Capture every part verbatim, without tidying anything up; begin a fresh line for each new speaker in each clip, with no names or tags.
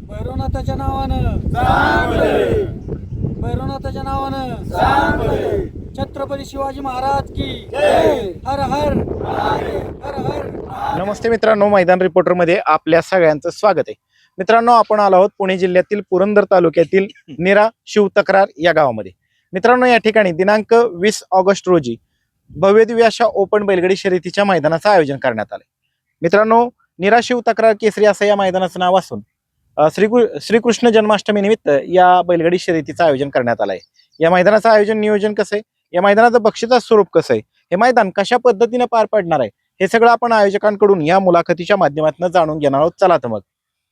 भैरवनाथाच्या नावानं चांगले, भैरवनाथाच्या नावानं चांगले, छत्रपती शिवाजी महाराज की जय, हर हर हर हर।
नमस्ते मित्रांनो, मैदान रिपोर्टर मध्ये आपल्या सगळ्यांचं स्वागत आहे। मित्रांनो, आपण आलो आहोत पुणे जिल्ह्यातील पुरंदर तालुक्यातील निरा शिवतक्रार या गावामध्ये। मित्रांनो, या ठिकाणी दिनांक वीस ऑगस्ट रोजी भव्यदिव्य अशा ओपन बैलगाडी शर्यतीच्या मैदानाचं आयोजन करण्यात आले। मित्रांनो, निरा शिवतक्रार केसरी असं या मैदानाचं नाव असून श्री श्रीकृष्ण जन्माष्टमी निमित्त या बैलगाडी शर्यतीचं आयोजन करण्यात आलं आहे। या मैदानाचं आयोजन नियोजन कसं आहे, या मैदानाचं बक्षीचं स्वरूप कसं आहे, हे मैदान कशा पद्धतीने पार पडणार आहे, हे सगळं आपण आयोजकांकडून या मुलाखतीच्या माध्यमातून जाणून घेणार आहोत। चला तर मग।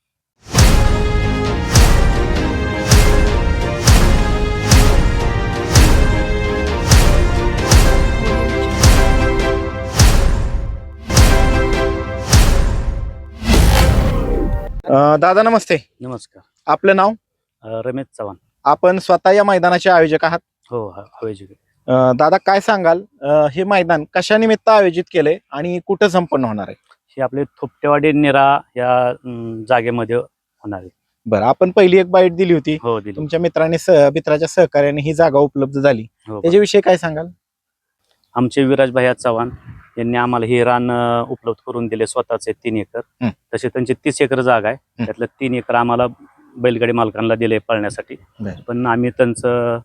दादा नमस्ते।
नमस्कार।
आपलं नाव?
रमेश चव्हाण।
आपण स्वतः या मैदानाचे आयोजक आहात?
हो, आयोजक।
दादा काय सांगाल, हे मैदान कशा निमित्त आयोजित केलंय आणि कुठं संपन्न होणार आहे?
हे आपले थोपटेवाडी निरा या जागेमध्ये होणार आहे।
बरं, आपण पहिली एक बाईट दिली होती,
हो दिली।
तुमच्या मित्राने मित्राच्या सहकार्याने ही जागा उपलब्ध झाली,
हो,
त्याच्याविषयी काय सांगाल?
आमचे विराज भैया चव्हाण यांनी आम्हाला हे रान उपलब्ध करून दिले, स्वतःचे तीन एकर। तसे त्यांची तीस एकर जागा आहे, त्यातलं तीन एकर आम्हाला बैलगाडी मालकांना दिले पळण्यासाठी। पण आम्ही त्यांचं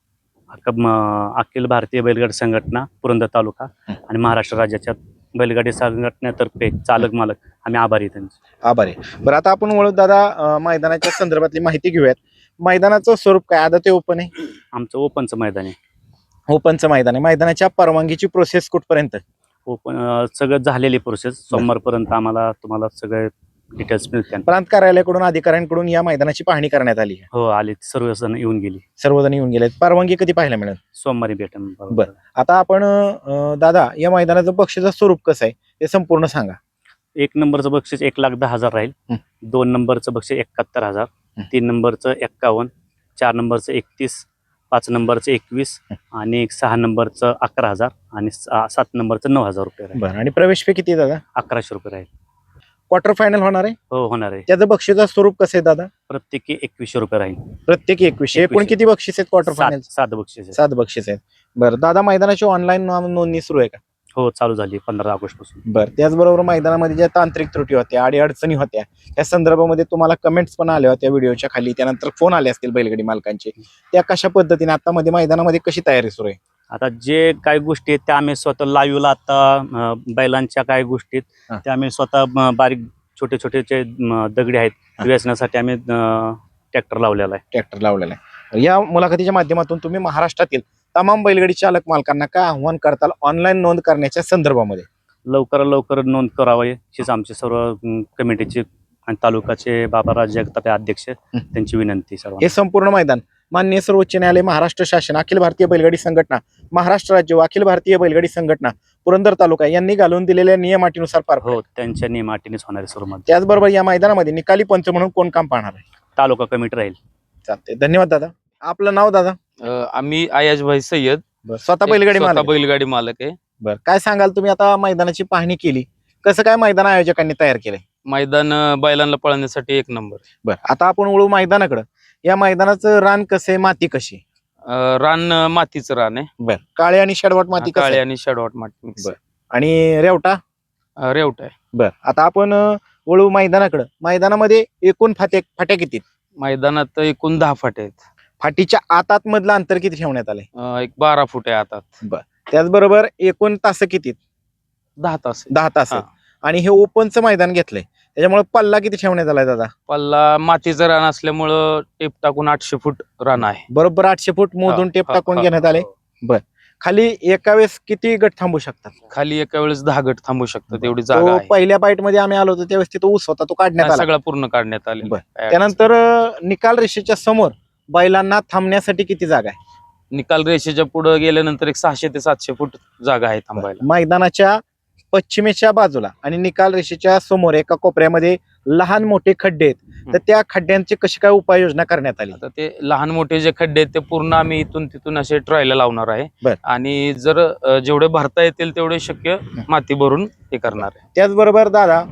अखिल भारतीय बैलगाडी संघटना पुरंदर तालुका आणि महाराष्ट्र राज्याच्या बैलगाडी संघटनेतर्फे चालक मालक आम्ही आभारी त्यांचे।
आभारी। बरं, आता आपण वळू दादा मैदानाच्या संदर्भातली माहिती घेऊयात। मैदानाचं स्वरूप काय? आता ते ओपन आहे?
आमचं ओपनचं मैदान आहे।
ओपनचं मैदान आहे। मैदानाच्या परवानगीची प्रोसेस कुठपर्यंत?
ओपन सगळं झालेली प्रोसेस, सोमवारपर्यंत आम्हाला तुम्हाला सगळे डिटेल्स मिळतील।
प्रांत कार्यालयाकडून अधिकाऱ्यांकडून या मैदानाची पाहणी करण्यात आली?
हो, आली, सर्वजण येऊन गेली।
सर्वजण येऊन गेले। परवानगी कधी पाहायला मिळेल?
सोमवारी भेटेल।
बरं, आता आपण दादा या मैदानाचं बक्षीचं स्वरूप कसं आहे ते संपूर्ण सांगा।
एक नंबरचं बक्षीस एक लाख दहा हजार राहील, दोन नंबरचं बक्षीस एकाहत्तर हजार, तीन नंबरचं एक्कावन्न, चार नंबरचं एकतीस, पाच नंबरचं एकवीस आणि सहा नंबरचं अकरा हजार आणि सात नंबरचं नऊ हजार रुपये राहील।
बरं, आणि प्रवेश फी किती दादा?
अकराशे रुपये राहील।
क्वार्टर फायनल होणार आहे?
हो, होणार आहे।
त्याचं बक्षीचं स्वरूप कसं आहे दादा?
प्रत्येकी एकवीसशे रुपये राहील।
प्रत्येकी एकवीसशे। एकूण किती बक्षीस आहेत क्वार्टर फायनल?
सात बक्षीस
सात बक्षीस आहेत। बरं दादा, मैदानाची ऑनलाईन नोंदणी सुरू आहे का?
हो, चालू झाली पंधरा ऑगस्ट पासून।
बरं, त्याचबरोबर मैदानामध्ये ज्या तांत्रिक त्रुटी होत्या, अडी अडचणी होत्या, त्या संदर्भामध्ये तुम्हाला कमेंट्स पण आल्या होत्या व्हिडिओच्या खाली, त्यानंतर फोन आले असतील बैलगाडी मालकांचे, त्या कशा पद्धतीने आता मध्ये मैदानामध्ये कशी तयारी सुरू आहे?
आता जे काही गोष्टी आहेत त्या आम्ही स्वतः लाईव्हला, आता बैलांच्या काही गोष्टीत त्या आम्ही स्वतः बारीक छोटे छोटे जे दगडी आहेत वेचण्यासाठी आम्ही ट्रॅक्टर लावलेला आहे
ट्रॅक्टर लावलेला आहे। या मुलाखतीच्या माध्यमातून तुम्ही महाराष्ट्रातील तमाम बैलगाडी चालक मालकांना काय आव्हान करताल ऑनलाईन नोंद करण्याच्या संदर्भामध्ये?
लवकर लवकर नोंद करावी हीच आमची सर्व कमिटीची आणि तालुकाचे बाबाराज जगताप अध्यक्ष त्यांची विनंती। सर्व
हे संपूर्ण मैदान माननीय सर्वोच्च न्यायालय, महाराष्ट्र शासन, अखिल भारतीय बैलगाडी संघटना, महाराष्ट्र राज्य व अखिल भारतीय बैलगाडी संघटना पुरंदर तालुका यांनी घालून दिलेल्या नियमाटीनुसार पार
हो, त्यांच्या नियमाटीनेच होणारे सर्व।
त्याचबरोबर या मैदानामध्ये निकाली पंच म्हणून कोण काम पाहणार आहे?
तालुका कमिटी राहील।
चालते, धन्यवाद दादा। आपलं नाव दादा?
आम्ही आयाज भाई सय्यद,
स्वतः बैलगाडी मालक?
बैलगाडी मालक आहे।
बरं, काय सांगाल, तुम्ही आता मैदानाची पाहणी केली, कसं काय मैदान आयोजकांनी तयार केलंय?
मैदान बैलांना पळण्यासाठी एक नंबर।
बरं, आता आपण वळू मैदानाकडे। या मैदानाचं रान कसं आहे, माती कशी?
रान मातीचं रान आहे।
बरं, काळे आणि शेडवाट माती?
काळे आणि शेडवाट माती।
बरं, आणि रेवटा?
रेवटा आहे।
बरं, आता आपण वळू मैदानाकडे। मैदानामध्ये एकूण फाट्या फाट्या किती?
मैदानात एकूण दहा फाटे आहेत।
फाटीच्या आतात मधलं अंतर किती ठेवण्यात आलंय?
एक बारा फूट आहे आतात।
बरं, त्याचबरोबर एकूण तास किती?
दहा तास
दहा तास आहेत। आणि हे ओपनचं मैदान घेतलंय, त्याच्यामुळे पल्ला किती ठेवण्यात आलाय दादा?
पल्ला मातीचं रान असल्यामुळं टेप टाकून आठशे फूट रान आहे।
बरोबर आठशे फूट मोजून टेप टाकून घेण्यात आले। बर, खाली एका वेळेस किती गट थांबू शकतात?
खाली एका वेळेस दहा गट थांबू शकतात, एवढी जागा आहे।
पहिल्या बाईट मध्ये आम्ही आलो होतो त्यावेळेस तिथं ऊस होता, तो काढण्यात आला,
सगळा पूर्ण काढण्यात आले।
त्यानंतर निकाल रेषेच्या समोर बैलांना थांबण्यासाठी किती जागा आहे?
निकाल रेषेच्या पुढे गेल्यानंतर एक सहाशे ते सातशे फूट जागा आहे थांबायला।
मैदानाच्या पश्चिमेच्या बाजूला आणि निकाल रेषेच्या समोर एका कोपऱ्यामध्ये लहान मोठे खड्डे आहेत, तर त्या खड्ड्यांची कशी काय उपाययोजना करण्यात आली?
आता ते लहान मोठे जे खड्डे आहेत ते पूर्ण आम्ही इथून तिथून असे ट्रायला लावणार आहे आणि जर जेवढे भरता येतील तेवढे शक्य माती भरून हे करणार आहे।
त्याचबरोबर दादा,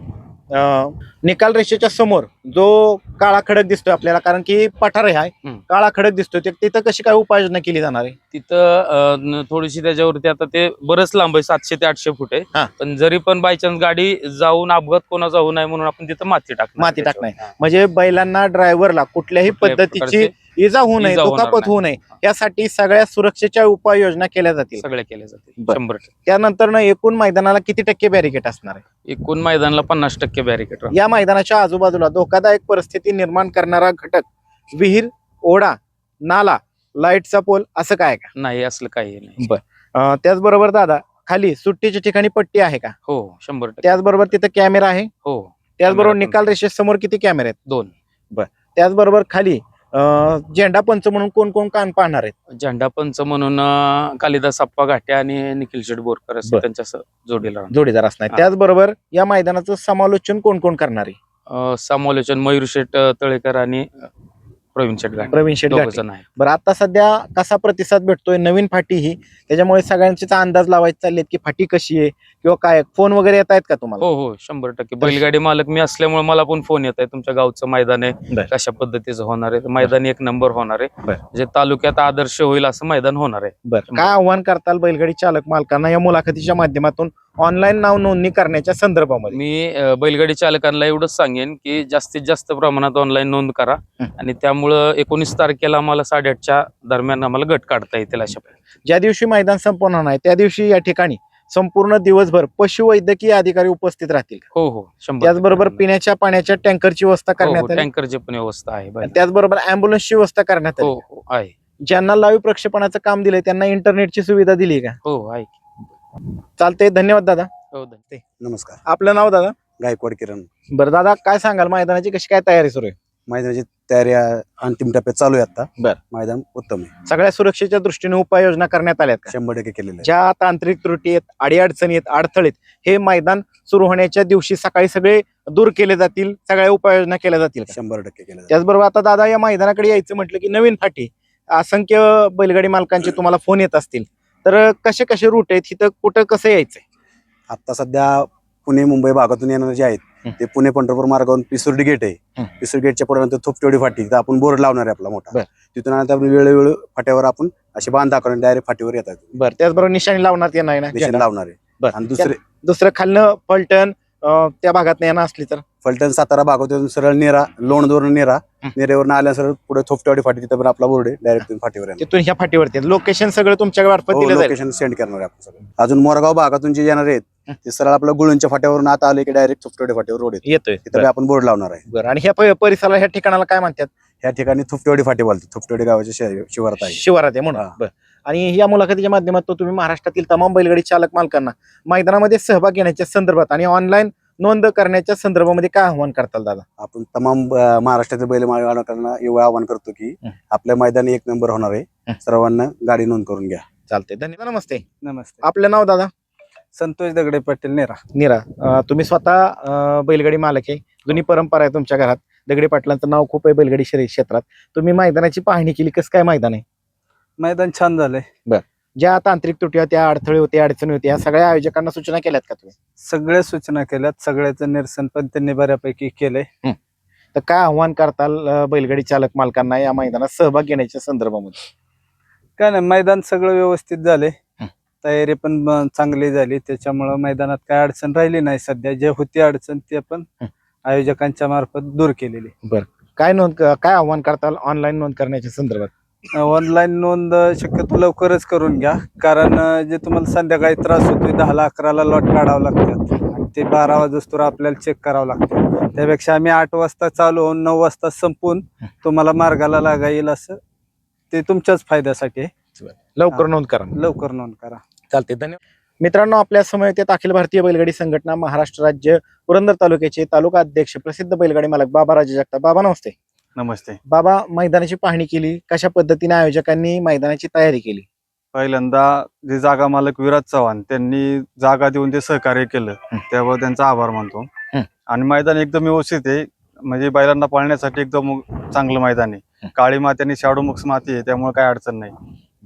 अं, निकाल रेषेच्या समोर जो काळा खडक दिसतोय आपल्याला, कारण की पठार आहे
हम्म.
काळा खडक दिसतोय, ते- तिथं कशी काय उपाययोजना केली जाणार आहे?
तिथं अ, न- थोडीशी त्याच्यावरती आता ते बरंच लांब आहे, सातशे ते आठशे फूट
हा.
आहे. पण जरी पण बायचान्स गाडी जाऊन अपघात कोणाचा होऊ नये म्हणून आपण तिथं माती टाकणार.
माती टाकणार.
त्याच्यावर.
म्हणजे बैलांना, ड्रायव्हरला कुठल्याही
कुठल्याही
पद्धतीची
प्रकारचे
इजा होऊ नये,
इजा होणार
दुखापत
नाही.
होऊ नये, यासाठी सगळ्या सुरक्षेच्या उपाययोजना केल्या जातील.
सगळे केले जातील
बरं.
शंभर टक्के.
त्यानंतर ना एकूण मैदानाला किती टक्के बॅरिकेड असणार आहे?
एकूण मैदानाला पन्नास टक्के बॅरिकेड राहणार.
या मैदानाच्या आजूबाजूला धोकादायक परिस्थिती निर्माण करणारा घटक, विहीर, ओढा, नाला, लाईटचा पोल असं काय आहे का?
नाही असलं काही नाही.
अं, त्याचबरोबर दादा, खाली सुट्टीच्या ठिकाणी पट्टी आहे का?
हो शंभर टक्के.
त्याचबरोबर तिथं कॅमेरा आहे.
हो
त्याचबरोबर
कॅमेरा पण.
निकाल रेषेसमोर किती कॅमेरे आहेत?
दोन.
त्याचबरोबर खाली अं, झेंडा पंच म्हणून कोण कोण कान पाहणार आहेत?
झेंडा पंच म्हणून अं, कालिदास अप्पा घाटे आणि निखिल शेठ बोरकर असं
बरं.
त्यांच्या स- जोडीला राहणार.
जोडीदार असणार.
हा.
त्याचबरोबर या मैदानाचं समालोचन कोण कोण करणार आहे?
अं, समालोचन मयूर शेठ अं, तळेकर आणि अं, प्रवीण शेठ घाटे
प्रवीण शेट
दोघं
घाटे.
जण आहेत.
बरं, आता सध्या कसा प्रतिसाद भेटतोय? नवीन फाटी ही, त्याच्यामुळे सगळ्यांचेच अंदाज लावायचे चाललेत की फाटी कशी आहे किंवा काय, फोन वगैरे येत आहेत का तुम्हाला?
हो हो शंभर टक्के. बैलगाडी मालक मी असल्यामुळे मला पण फोन येत आहे, तुमच्या गावचं मैदान आहे,
बरं.
कशा पद्धतीचं होणार आहे. तर मैदान एक नंबर होणार आहे,
बरं.
म्हणजे तालुक्यात आदर्श होईल असं मैदान होणार आहे.
बरं, काय आव्हान करताल बैलगाडी चालक मालकांना या मुलाखतीच्या माध्यमातून ऑनलाईन नाव नोंदणी करण्याच्या संदर्भामध्ये?
मी अं, बैलगाडी चालकांना एवढंच सांगेन की जास्तीत जास्त प्रमाणात ऑनलाईन नोंद करा
हं.
आणि त्यामुळं एकोणीस तारखेला आम्हाला साडेआठच्या दरम्यान आम्हाला गट काढता येतील अशा प्रकारे.
ज्या दिवशी मैदान संपन्न नाही त्या दिवशी या ठिकाणी संपूर्ण दिवसभर पशुवैद्यकीय अधिकारी उपस्थित राहतील.
हो हो शंभर
त्याचबरोबर
टक्के.
पिण्याच्या पाण्याच्या टँकरची व्यवस्था
हो, हो,
करण्यात आली.
टँकरची पण व्यवस्था आहे बैलांना.
त्याचबरोबर अँब्युलन्सची व्यवस्था करण्यात
हो
आली.
हो आहे.
ज्यांना लाईव्ह प्रक्षेपणाचं काम दिलंय त्यांना इंटरनेटची सुविधा दिली का?
हो आहे.
चालतंय, धन्यवाद दादा.
हो धन्यवाद.
नमस्कार.
आपलं नाव दादा?
गायकवाड किरण.
बरं दादा, काय सांगाल मैदानाची कशी काय तयारी सुरू आहे?
मैदानाची तयारी आ- अंतिम टप्प्यात चालू आहे आता.
बर.
मैदान उत्तम आहे,
सगळ्या सुरक्षेच्या दृष्टीने उपाययोजना करण्यात आल्यात का?
शंभर टक्के केलेलं आहे.
ज्या तांत्रिक त्रुटी आहेत, अडीअडचणी आहेत, अडथळे आहेत, हे मैदान सुरू होण्याच्या दिवशी सकाळी सगळे दूर केले जातील, सगळ्या उपाययोजना केल्या जातील का?
शंभर टक्के केलं आहे.
त्याचबरोबर आता दादा, या मैदानाकडे यायचं म्हटलं की नवीन फाटी, असंख्य बैलगाडी मालकांचे तुम्हाला फोन येत असतील, तर कसे कसे रूट आहेत, इथं कुठं कसं यायचंय?
आता सध्या पुणे मुंबई भागातून येणारे जे आहेत
हं.
ते पुणे पंढरपूर मार्गावरून पिसुर्डी गेट आहे.
हं.
पिसुर्डी गेटच्या पुढे नंतर थोपटेवाडी फाटी, तिथं आपण बोर्ड लावणार आहे आपला मोठा.
बर.
तिथून आता आपण वेळोवेळी फाट्यावर आपण असे बांध दाखवून डायरेक्ट फाटीवर येतात,
बरं, त्याचबरोबर निशाणी लावण्यात येणार ना
निशाण लावणार आहे.
बरं.
आणि दुसरे
दुसरं खालनं पलटण अं, त्या भागात येणार असली तर
फलटण सातारा भागातून सरळ नेरा, लोणदवरून नेरा,
हं.
नेरेवरून आल्या सरळ पुढे थोपटेवाडी फाटी, तिथं पण आपला बोर्ड आहे, डायरेक्ट फाटीवर येणार.
तिथून ह्या फाटीवरती लोकेशन सगळं तुमच्या मार्फत
हो,
दिलं जाईल.
लोकेशन सेंड करणार आहे आपण सगळं. अजून मोरगाव भागातून जे येणार आहेत
हं.
ते सरळ आपलं गुळूंच्या फाट्यावरून आता आले की डायरेक्ट थोपटेवाडी फाट्यावर रोड आहे,
येतोय.
तिथं बी आपण बोर्ड लावणार आहे.
बरं, आणि ह्या प- परिसराला, ह्या ठिकाणाला काय म्हणतात?
ह्या ठिकाणी थोपटेवाडी फाटी बोलतो, थोपटेवाडी गावाच्या शे- शिवारात आहे.
शिवारात आहे म्हणून.
हा.
बरं. आणि या मुलाखतीच्या माध्यमातून तुम्ही महाराष्ट्रातील तमाम बैलगाडी चालक मालकांना मैदानामध्ये सहभाग घेण्याच्या संदर्भात आणि ऑनलाईन नोंद करण्याच्या संदर्भामध्ये काय आव्हान करताल दादा?
आपण तमाम अं, महाराष्ट्रातील बैल मालकांना एवढं आवाहन करतो की
हं.
आपल्या मैदानी एक नंबर होणार
हं.
आहे, सर्वांना गाडी नोंद करून घ्या.
चालते, धन्यवाद. नमस्ते,
नमस्ते.
आपलं नाव दादा?
संतोष दगडे पाटील नेरा.
निरा. अं, तुम्ही स्वतः अं, बैलगाडी मालक आहे, जुनी परंपरा आहे तुमच्या घरात, दगडे पाटलांचं नाव खूप आहे बैलगाडी शर्यत क्षेत्रात. तुम्ही मैदानाची पाहणी केली, कसं काय मैदान आहे?
मैदान छान झालंय.
ज्या तांत्रिक त्रुटी होत्या, अडथळे होते, अडचणी होत्या, या सगळ्या आयोजकांना सूचना केल्यात का तुम्ही?
सगळ्या सूचना केल्यात, सगळ्याचं निरसन पण त्यांनी बऱ्यापैकी केलंय.
तर काय आव्हान करताल अं, बैलगाडी चालक मालकांना या मैदानात सहभाग घेण्याच्या संदर्भामध्ये?
काय नाही, मैदान सगळं व्यवस्थित झाले,
हं.
तयारी पण ब- चांगली झाली, त्याच्यामुळं मैदानात काय अडचण राहिली नाही. सध्या जे होती अडचण ते पण
हं.
आयोजकांच्या मार्फत दूर केलेली.
काय नोंद काय आव्हान करताल ऑनलाईन नोंद करण्याच्या संदर्भात?
ऑनलाईन नोंद शक्यतो लवकरच करून घ्या, कारण अं, जे तुम्हाला संध्याकाळी त्रास होतोय, दहाला अकराला लॉट काढावं लागतात आणि ते बारा वाजोस्तर आपल्याला चेक करावं लागतं. त्यापेक्षा आम्ही आठ वाजता चालू होऊन नऊ वाजता संपून तुम्हाला मार्गाला लागा येईल असं, ते तुमच्याच फायद्यासाठी आहे.
लवकर
हा.
नोंद करा.
लवकर नोंद करा.
चालते, धन्यवाद. मित्रांनो, आपल्या समोर येतात अखिल भारतीय बैलगाडी संघटना महाराष्ट्र राज्य पुरंदर तालुक्याचे तालुका अध्यक्ष प्रसिद्ध बैलगाडी मालक बाबा राजे जगताप. बाबा नमस्ते.
नमस्ते.
बाबा, मैदानाची पाहणी केली, कशा पद्धतीने आयोजकांनी मैदानाची तयारी केली?
पहिल्यांदा जे जागा मालक विराज चव्हाण त्यांनी जागा देऊन ते सहकार्य केलं,
हं.
त्यावर त्यांचा आभार मानतो.
हं.
आणि मैदान एकदम व्यवस्थित आहे, म्हणजे बैलांना पाळण्यासाठी एकदम चांगलं मैदान आहे.
हं.
काळी माती आणि शाडू मिक्स माती आहे, त्यामुळे काय अडचण नाही.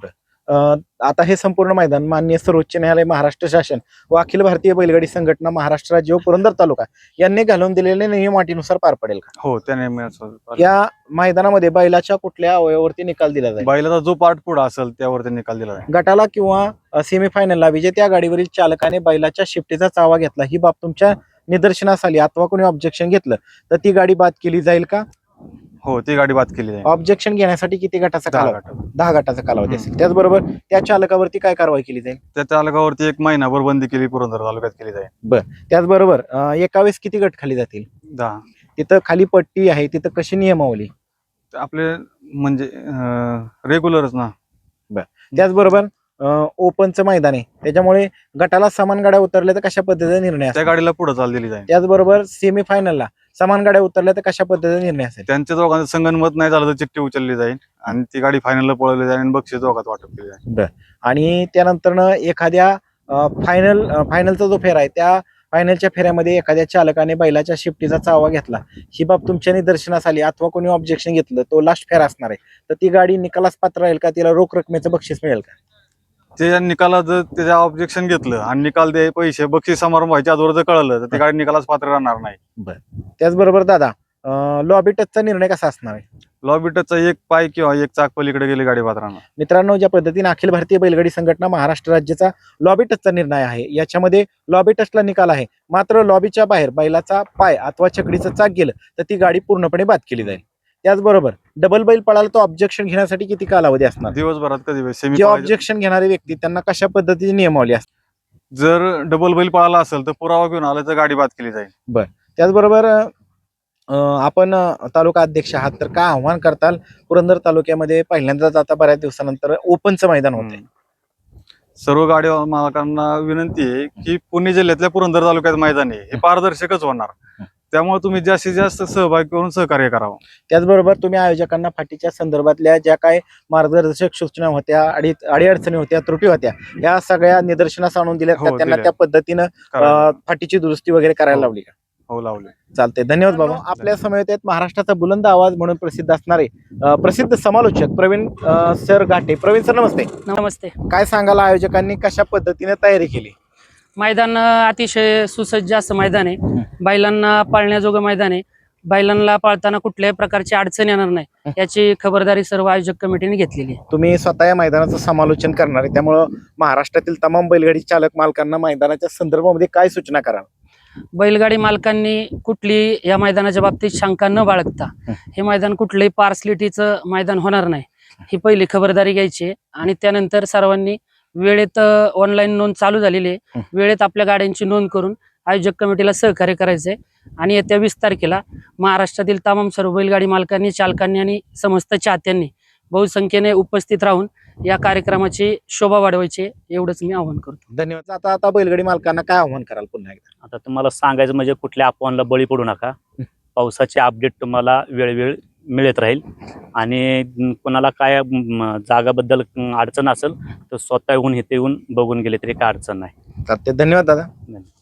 अं, आता हे संपूर्ण मैदान माननीय सर्वोच्च न्यायालय महाराष्ट्र शासन व अखिल भारतीय बैलगाडी संघटना महाराष्ट्र राज्य व पुरंदर तालुका यांनी घालून दिलेल्या नियम अटीनुसार पार पडेल का?
हो त्याने मिळालं.
या मैदानामध्ये बैलाच्या कुठल्या अवयवावरती निकाल दिला जाईल?
बैलाचा जो पार्ट पुढे असेल त्यावरती निकाल दिला जाईल.
गटाला किंवा सेमीफायनलला विजेत्या गाडीवरील चालकाने बैलाच्या शिफ्टीचा चावा घेतला, ही बाब तुमच्या निदर्शनास आली अथवा कोणी ऑब्जेक्शन घेतलं तर ती गाडी बाद केली जाईल का?
हो ती गाडी बाद केली जाईल.
ऑब्जेक्शन घेण्यासाठी किती गटाचा
दहा
कालावधी?
गटावर.
दहा गटाचा कालावधी असेल. त्याचबरोबर त्या चालकावरती काय कारवाई केली जाईल?
त्या चालकावरती एक महिनाभर बंदी केली पुरंदर तालुक्यात केली जाईल.
त्याचबरोबर अं, एका वेळेस किती गट खाली जातील?
दहा.
तिथं खाली पट्टी आहे, तिथं कशी नियमावली?
आपले म्हणजे रेग्युलरच ना.
त्याचबरोबर अं, ओपनचं मैदान आहे, त्याच्यामुळे गटाला समान गाड्या उतरल्या तर कशा पद्धतीचा निर्णय
त्या
असेल?
गाडीला पुढे चाल दिली जाईल.
त्याचबरोबर सेमीफायनलला समान गाड्या उतरल्या तर कशा पद्धतीचा निर्णय असेल?
त्यांच्या दोघांचं संगनमत नाही झालं तर चिठ्ठी उचलली जाईल आणि ती गाडी फायनलला पळवली जाईल आणि बक्षीस दोघात वाटप केली जाईल.
आणि त्यानंतर एखाद्या फायनल फायनलचा जो फेरा आहे त्या फायनलच्या फेऱ्यामध्ये एखाद्या चालकाने बैलाच्या शिफ्टीचा चावा घेतला, ही बाब तुमच्या निदर्शनास आली अथवा कोणी ऑब्जेक्शन घेतलं, तो लास्ट फेरा असणार आहे, तर ती गाडी निकालास पात्र राहील का? तिला रोख रकमेचं बक्षीस मिळेल का?
ते निकालात जर त्याच्या ऑब्जेक्शन घेतलं आणि निकाल दे पैसे बक्षीस समारंभ व्हायच्या अगोदर जर कळलं तर ती गाडी निकालास पात्र राहणार नाही.
त्याचबरोबर दादा, लॉबी टचचा निर्णय कसा असणार आहे?
लॉबी टचचा एक पाय किंवा एक चाक पलीकडे गेली गाडी पात्र राहणार.
मित्रांनो, ज्या पद्धतीने अखिल भारतीय बैलगाडी संघटना महाराष्ट्र राज्याचा लॉबी टचचा निर्णय आहे, याच्यामध्ये लॉबी टचला निकाल आहे, मात्र लॉबीच्या बाहेर बैलाचा पाय अथवा छकडीचं चाक गेलं तर ती गाडी पूर्णपणे बाद केली जाईल. त्याचबरोबर डबल बैल पळाला तो ऑब्जेक्शन घेण्यासाठी किती कालावधी असणार?
दिवसभरात कधी सेमी
जे ऑब्जेक्शन घेणारे व्यक्ती त्यांना कशा पद्धतीची नियमावली असते?
जर डबल बैल पळाला असेल तर पुरावा घेऊन आला तर गाडी बाद केली जाईल.
त्याचबरोबर अं, आपण अं, तालुका अध्यक्ष आहात, तर काय आव्हान करताल? पुरंदर तालुक्यामध्ये पहिल्यांदाच आता बऱ्याच दिवसानंतर ओपनचं मैदान होत आहे.
सर्व गाडी मालकांना विनंती आहे की पुणे जिल्ह्यातल्या पुरंदर तालुक्यात मैदान आहे हे पारदर्शकच होणार, त्यामुळे तुम्ही जास्तीत जास्त सहभाग करून सहकार्य करावं.
त्याचबरोबर तुम्ही आयोजकांना फाटीच्या संदर्भातल्या ज्या काय मार्गदर्शक सूचना होत्या, अडी अडीअडचणी होत्या, त्रुटी होत्या, या सगळ्या निदर्शनास आणून दिल्या का?
हो,
त्यांना
दिल्या.
त्या पद्धतीनं
करावं.
अं, फाटीची दुरुस्ती वगैरे करायला
हो.
लावली का?
हो लावले.
चालते. धन्यवाद बाबा. आपल्या समवेत आहेत महाराष्ट्राचा बुलंद आवाज म्हणून प्रसिद्ध असणारे अं, प्रसिद्ध समालोचक प्रवीण अं, सर घाटे. प्रवीण सर, नमस्ते.
नमस्ते.
काय सांगाल, आयोजकांनी कशा पद्धतीने तयारी केली?
मैदान अतिशय सुसज्ज असं मैदान आहे. बैलांना पाळण्याजोगं मैदान आहे. बैलांना पाळताना कुठल्याही प्रकारची अडचण येणार नाही याची खबरदारी सर्व आयोजक कमिटीने घेतलेली आहे.
तुम्ही स्वतः या मैदानाचं समालोचन करणार आहे, त्यामुळं महाराष्ट्रातील तमाम बैलगाडी चालक मालकांना मैदानाच्या संदर्भामध्ये काय सूचना कराल?
बैलगाडी मालकांनी कुठली या मैदानाच्या बाबतीत शंका न बाळगता हे मैदान कुठलंही पार्सलिटीचं मैदान होणार नाही ही पहिली खबरदारी घ्यायची आहे. आणि त्यानंतर सर्वांनी वेळेत ऑनलाईन नोंद चालू झालेली आहे, वेळेत आपल्या गाड्यांची नोंद करून आयोजक कमिटीला सहकार्य करायचंय. आणि येत्या वीस तारखेला महाराष्ट्रातील तमाम सर्व बैलगाडी मालकांनी, चालकांनी आणि समस्त चाहत्यांनी बहुसंख्येने उपस्थित राहून या कार्यक्रमाची शोभा वाढवायची, एवढंच मी आवाहन करतो.
धन्यवाद. आता आता बैलगाडी मालकांना काय आव्हान कराल पुन्हा एकदा?
आता तुम्हाला सांगायचं म्हणजे कुठल्या अफवांना बळी पडू नका. पावसाचे अपडेट तुम्हाला वेळोवेळी मिळत राहील आणि कोणाला काय म, जागाबद्दल अडचण असेल तर स्वतः येऊन इथे येऊन बघून गेले तरी काय अडचण नाही.
चालते. धन्यवाद दादा.
धन्यवाद.